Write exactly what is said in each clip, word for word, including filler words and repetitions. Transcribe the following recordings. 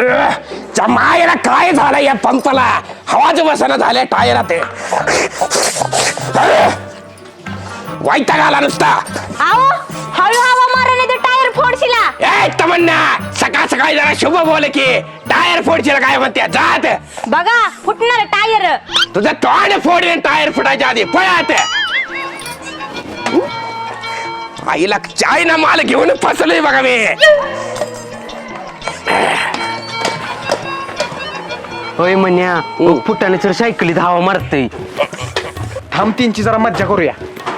मायला काय झालं या पंपाला? हवाच बसणं झालंय टायरात. वैताग आला नुसता. आओ हळू हवा मारा नाही तर टायर फोडशिला. ए तमन्ना, सकाळ सकाळी जरा शुभ बोल की टायर फोडशील काय म्हणते. जात बघा फुटणार टायर. तुझं तोंड फोडून टायर फुटायच्या आधी पळत. आईला चायना माल घेऊन फसलोय बघा मी. होय म्हण्या, फुटाने तर सायकलीत हवा मारतय. थांब तीनची जरा मज्जा करूया.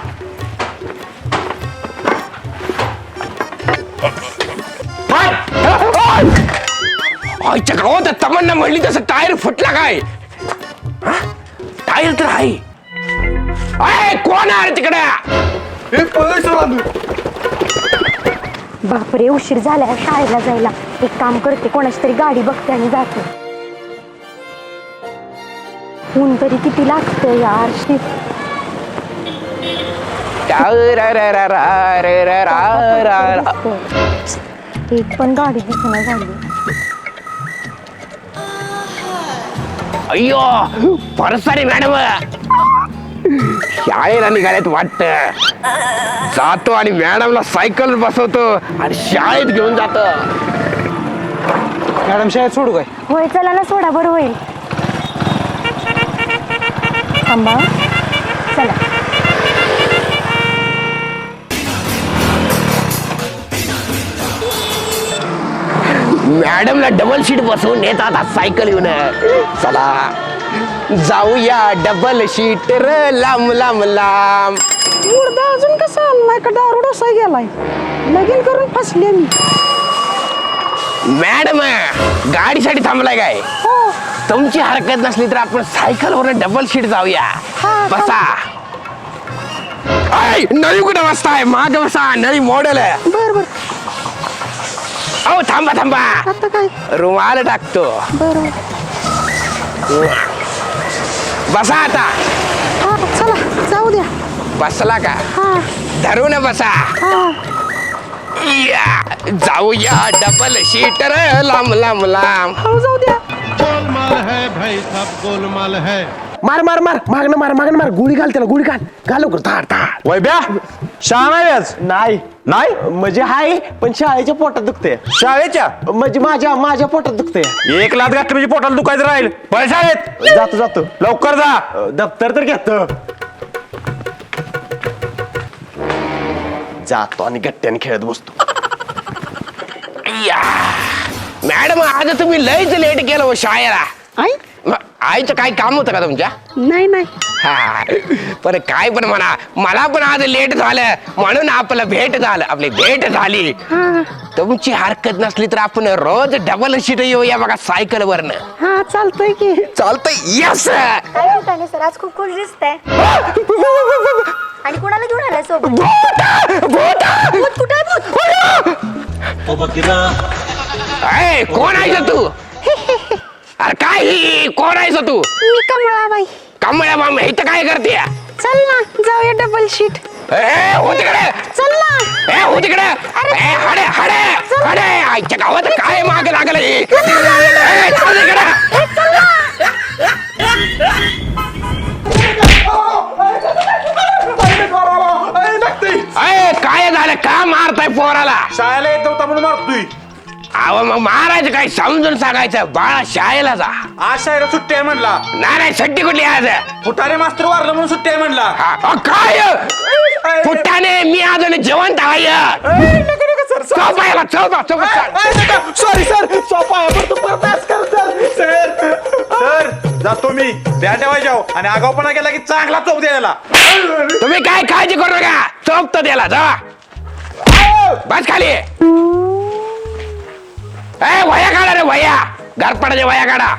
आईच्या गावात तमन्ना म्हणली तसं टायर फुटला काय? टायर तर आहे. अय कोण आहे तिकडे? बापरे उशीर झालाय शाळेला जायला. एक काम करते, कोणाची तरी गाडी बघते आणि जाते. ऊन तरी किती लागतं यार. एक पण गाडी दिसना झाली. अय्यो परसारी मॅडम शाळेला निघाल्यात वाटत. जातो आणि मॅडमला सायकल बसवतो आणि शाळेत घेऊन जातो. मॅडम शाळेत सोडू काय? होय चला ना, सोडा बरं होईल. थांबा चला. मॅडमला डबल सीट बसवून नेतात आज सायकल येऊन. चला जाऊया डबल सीट र लांब लांब लांब. मुर्दा अजून कसा आणलाय का दारू डोसा गेलाय? लगीन करून फसले मी. मॅडम गाडीसाठी थांबलाय काय? हो तुमची हरकत नसली तर आपण सायकलवर डबल सीट जाऊया. हा, बसा. ऐ नळी कुठे बसताय? माग बसा, नळी मॉडेल आहे. बर बर. अहो थांबा थांबा, आता काय? रुमाल टाकतो. बर. बसा आता. हा चला जाऊ द्या. बसला का? हा धरून बसा. हा. या जाऊया डबल सीटर लांब लांब लांब. हो जाऊ द्या. गोलमाल है भाई, सब गोलमाल है. मार मार मार मागणं मार मागणं मार. गोळी घाल त्याला, गोळी घाल. घाल लवकर. धाड धाड. वैब्या शाळा नाही आज? नाही नाही म्हणजे हाय, पण शाळेच्या पोटात दुखते. शाळेच्या म्हणजे माझ्या माझ्या पोटात दुखते. एक लाच घातली म्हणजे पोटाला दुखायचं राहील. पण शाळेत जातो जातो. लवकर जा. अ, दप्तर तर घेत जातो आणि गट्ट्याने खेळत बसतो. या मॅडम आज तुम्ही लयच लेट केलं हो शाळेला. आई मग आईचं काय काम होतं का तुमच्या? नाही नाही. हा पण काय पण म्हणा, मला पण आज लेट झालं म्हणून आपलं भेट झालं. आपली भेट झाली. तुमची हरकत नसली तर आपण रोज डबल सीट येऊया बघा सायकल वरनं. हा चालतंय की. चालतंय. यस. काय म्हणताय सर, आज खूप खुश दिसतंय. आणि कुणाला घेऊन आलाय सोबत? भूत कुठे आहे भूत? अय कोण आहेस तू? अरे काय ही कोण आहेस तू? मी कमळाबाई. कमळ्या माम इथं काय करते? चल ना जाऊया डबल शीट. ए हो तिकडे. चल ना. ए हो तिकडे. ए हडे हडे हडे आईच्या गावात काय मागे लागलं हे? ए, चल तिकडे. अय काय झालं? का मारताय पोराला? शाळेला येत नव्हता म्हणून मारतोय. अहो मग मारायचं काय समजून सांगायचं. बाळा शाळेला जा. आज शाळेला सुट्टी आहे म्हणला. नाही नाही सुट्टी कुठली आज? फुटारे मास्तर वारलं म्हणून सुट्टी आहे म्हणला. हा, अ, काय पुट्टाने मी अजून जेवण आहे. चौपायला चौपा चौपा. Sorry sir. सर जातो मी. द्या ठेवायच्या आणि आगाऊपणा केला की चांगला चोप द्यायला. तुम्ही काय काळजी करू नका. चौक तर द्याला जा. बस खाली. ए वया काढा रे वया. घरपडाच्या वया काढा.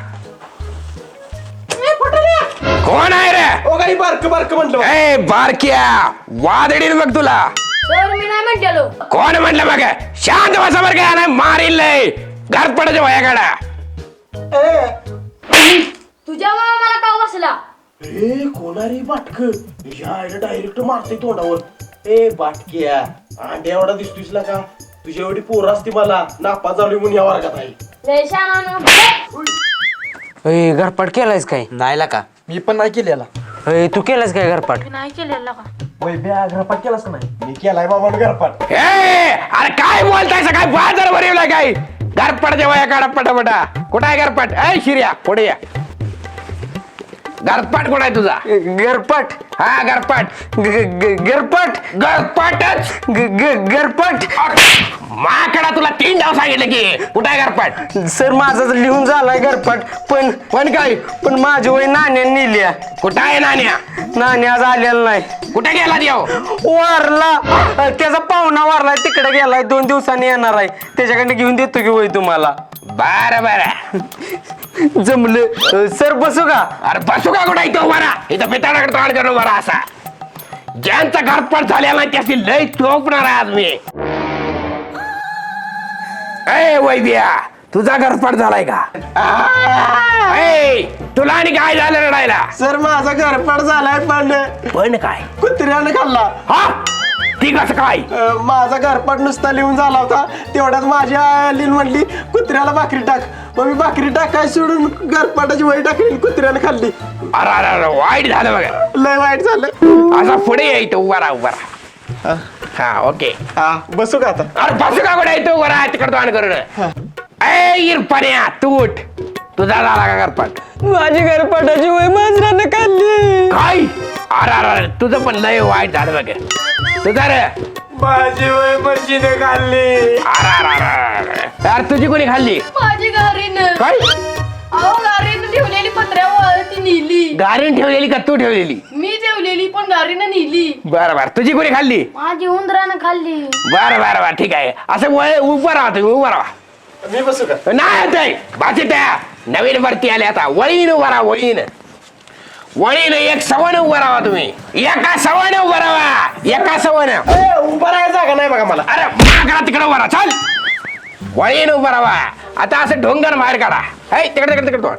कोण आहे रे? ओ काही बारक बारक म्हणलं. ए बारक्या वादडील मग तुला. मी नाही म्हणलेलो. कोण म्हटलं मग? शांत बसा बरं काय नाही मारील नाही. घरपडाच्या वया काढा. तुझ्या मला का बसला? ए कोणारी बाटक या डायरेक्ट मारते तोंडावर. ए बाटक्या अंड्या एवढा दिसतोयस का? तुझी एवढी पोर असते मला नापा चालू म्हणून या वर्गात आहे. अय घरपाट केलायस काय नाही का मी पण नाही केलेला अय तू केलायस काय घरपाट वैभ्या घरपाट केलास का नाही मी केलाय बाबा घरपाट ए अरे काय बोलताय काय बाजार भरवलाय काय घरपट जेव्हा काढा पटापटा कुठं आहे घरपट ए शिर्या पुढे या घरपाट कुठं आहे तुझा घरपाट हा घरपाट घरपाट घरपाटच घरपाट माकडा तुला तीन डाव सांगितलं की कुठं आहे घरपाट सर माझा लिहून झालाय घरपाट पण पण काय पण माझी वय नाण्याने नेल्या कुठं आहे नाण्या नाण्या आज आलेला नाही कुठे गेला देव वारला अ, त्याचा पाहुणा वारलाय तिकडे गेलाय दोन दिवसांनी येणार आहे त्याच्याकडे घेऊन देतो की वय तुम्हाला बर बर जमलं अ, सर बसू का अरे बसू का कुठं इथं बरा इथं पिताडाकडे तोंड करून बरा असा ज्यांचा घरपाट झालेला नाही त्याची लय चोपणार आहे आज मी ए वैद्या तुझा घरपाट झालाय का ए, तुला आणि काय झालं रडायला सर माझा घरपाट झालाय पण पण काय कुत्र्याने खाल्ला हा ती कसं काय अं, माझा घरपाट नुसता लिहून झाला होता तेवढ्यात माझी आई लिहून म्हणली कुत्र्याला भाकरी टाक मग मी भाकरी टाकाय सोडून घरपाटाची वही टाकली कुत्र्याने खाल्ली अरे अरे अरे वाईट झालं बघा लय वाईट झालं असा पुढे यायचं उभा राहा उभा राहा हा ओके हा बसू का आता अरे बसू का कुठे येतो उभा राहा तिकडं तोंड करून ए इरपण्या तू उठ तुझा झाला का घरपाट माझी घरपाटाची वय मांजरानं खाल्ली काय अरे अरे अरे तुझं पण लय वाईट झालं बघ तुझा रे माझी वय मशीने खाल्ली अरे अरे अरे अरे अरे तुझी कोणी खाल्ली माझी गारीनं काय अहो गारीनं ठेवलेली पत्र्यावर ती नेली गारीन ठेवलेली का तू ठेवलेली मी ठेवलेली पण गारीनं नेली बरं बरं तुझी कोणी खाल्ली माझी उंदरानं खाल्ली बरं बरं बरं ठीक आहे असं वय उभं राहा तुम्ही उभं राहा मी बसू का नाही ते बाकी त्या नवीन भरती आले आता वळीन उभा राहा वळीन वळीन एक सवण उभं राहा तुम्ही एका सवण उभं राहा एका सवण ए, उभा राहायला जागा नाही बघा मला अरे माकडा तिकडे उभा राहा चल वळीन उभं राहा आता असं ढोंगर बाहेर काढा हे तिकडे तिकडे तिकडे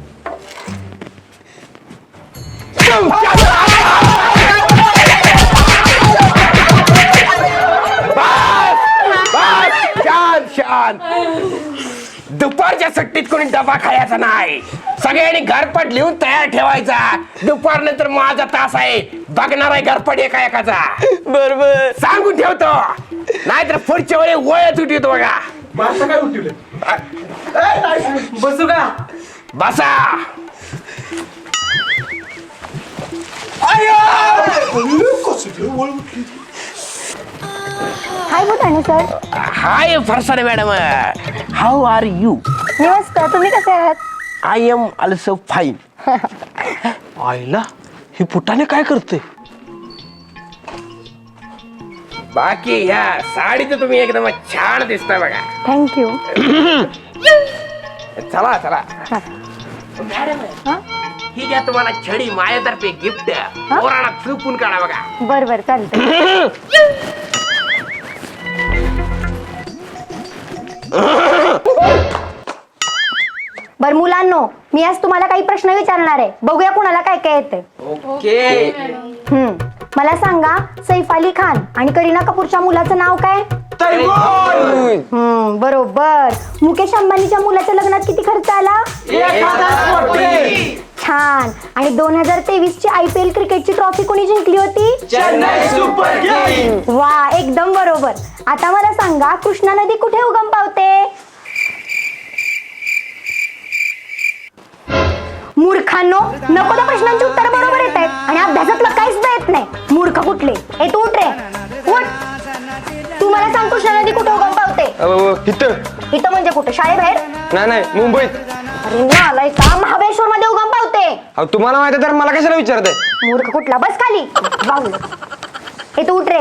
छान छान दुपारच्या सुट्टीत कोणी डबा खायचा नाही सगळ्यांनी घरपट लिहून तयार ठेवायचा दुपार नंतर माझा तास आहे बघणार आहे घरपट एका एकाचा बरोबर सांगून ठेवतो नाहीतर पुढच्या वेळी वळत उठवतो बघा माझं काय उठवलं बसू का बसा हाय भूताने सर हाय फरसाने मॅडम हाऊ आर यू मी मस्त तुम्ही कसे आहात आय एम ऑल्सो फाईन आईला ही फुटाने काय करते बाकी ह्या साडीचं तुम्ही एकदम छान दिसता बघा थँक्यू चला चला मॅडम ही घ्या तुम्हाला छडी माझ्यातर्फे गिफ्ट पोराला चुपून काढा बघा बर बर चालतं बर मुलांनो मी आज तुम्हाला काही प्रश्न विचारणार आहे बघूया कुणाला काय काय येते ओके हम्म मला सांगा सैफ अली खान आणि करीना कपूरच्या मुलाचं नाव काय हम्म बरोबर मुकेश अंबानीच्या मुलाच्या लग्नात किती खर्च आला छान आणि दोन हजार तेवीस ची आय पी एल क्रिकेटची ट्रॉफी कोणी जिंकली होती वा एकदम बरोबर आता मला सांगा कृष्णा नदी कुठे उगम पावते मूर्खांनो नको त्या प्रश्नांची उत्तर बरोबर येत आहेत आणि अभ्यासातलं काहीच येत नाही मूर्ख कुठले ए तू उठ रे उठ तू मला सांग कृष्णा नदी कुठे उगम पावते इथं इथं म्हणजे कुठे शाळेबाहेर नाही नाही मुंबईत अरे नालाय का महाबळेश्वर मध्ये उगम पावते अहो तुम्हाला माहिती तर मला कशाला विचारताय मूर्ख कुठला बस खाली बाहुल हे तू उठ रे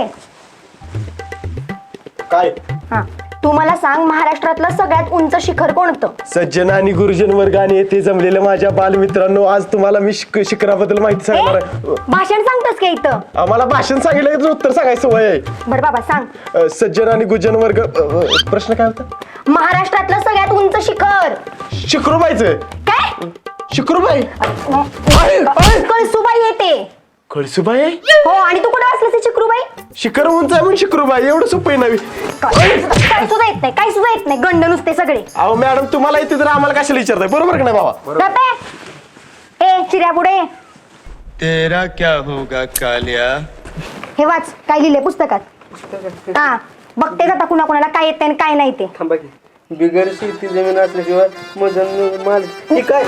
काय हा तू मला सांग महाराष्ट्रातलं सगळ्यात उंच शिखर कोणतं सज्जन आणि गुरुजन वर्ग आणि येथे जमलेल्या माझ्या बालमित्रांनो आज तुम्हाला मी शिक- शिखराबद्दल माहिती सांगणार ए, आहे भाषण सांगतोस का इथं आम्हाला भाषण सांगितलं की तुझं उत्तर सांगायचं वय आहे बर बाबा सांग अ, सज्जन आणि गुरुजन वर्ग अ, अ, प्रश्न काय होता महाराष्ट्रातलं सगळ्यात उंच शिखर शिकरूबाईचं काय शिकरूबाई कळसुबाई येते कळसूबाई हो आणि तू कुठे असलीस ही चिकरूबाई? शिखर उंच आहे म्हणून शिकरूबाई एवढं सोपं आहे नवी. काय काय सुद्धा येत नाही काय सुद्धा येत नाही गंड नुसते सगळे. अहो मॅडम तुम्हाला येते तर आम्हाला कशाला विचारताय बरोबर का नाही बाबा? गप्पे. ए चिऱ्या पुढे तेरा क्या होगा कालिया. हे वाच काय लिहिले पुस्तकात. हा बघते जाता कुणा कुणाला काय येते आणि काय नाही ते. थांबा की बिगर शेती जमीन असल्याशिवाय मधन माल हे काय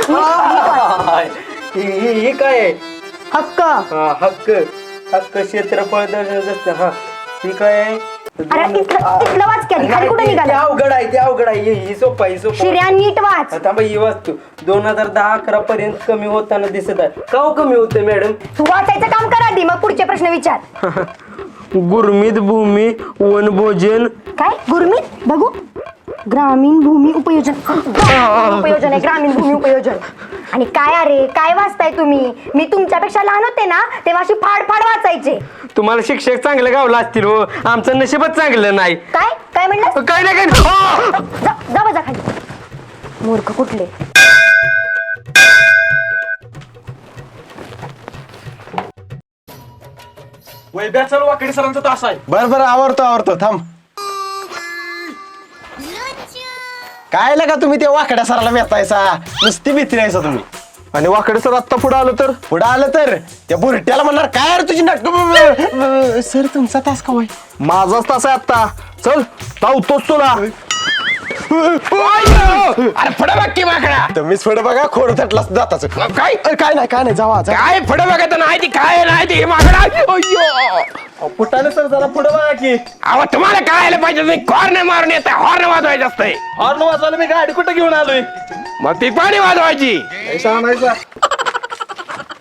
हे हे काय आहे? हक्क. हा हक्क हक्क क्षेत्रफळ दर्शनाचं असतं हा ही काय आहे? अरे तिथलं तिथलं वाच की आधी. खाली कुठे ते निघाला अवघड आहे ते अवघड आहे ही- ही सोपं आहे ही सोपं आहे. शिर्या नीट वाच. थांबा ही वाचतो दोन हजार दहा अकरा पर्यंत कमी होताना दिसत आहे का हो कमी होते मॅडम? तू वाचायचं काम कर आधी मग पुढचे प्रश्न विचार. गुरमीत भूमी वनभोजन काय गुरमीत बघू ग्रामीण भूमी उपयोजन. उपयोजन आहे ग्रामीण भूमी उपयोजन. आणि काय अरे काय वाचताय तुम्ही? मी तुमच्यापेक्षा लहान होते ना तेव्हा अशी फाड फाड वाचायचे. तुम्हाला शिक्षक चांगले गावला असतील हो आमचं नशीबच चांगलं नाही. काय काय म्हणलं? काय नाही काय नाही. जा जा बजा खाली मूर्ख कुठले. वैभ्या चल वाकडी सरांचा तास आहे. बरं बरं आवडतो आवडतो थांब. काय लगा तुम्ही ते वाकड्या सराला भेटायचा नुसती भीती राहायचा तुम्ही. आणि वाकडे सर आत्ता पुढे आलं तर पुढं आलं तर त्या बुरट्याला म्हणणार काय अरे तुझी नाटक. सर तुमचा तास का माझाच तास आहे आत्ता. चल धावतोच तुला. अरे फड बघ की माकडा. तुम्हीच पुढे बघा खोड थटला जाताच काय अरे काय नाही काय नाही जावा जा. काय फड बघत नाही ती काय नाही ती माकडा. अय्यो फुटाने सर जरा पुढे बघा की. अहो तुम्हाला काय आलं पाहिजे तुम्ही कॉर्न मारून येत हॉर्न वाजवायचं असतंय. हॉर्न वाजवायला मी गाडी कुठे घेऊन आलोय. मग ती पाणी वाजवायची. सांगायचा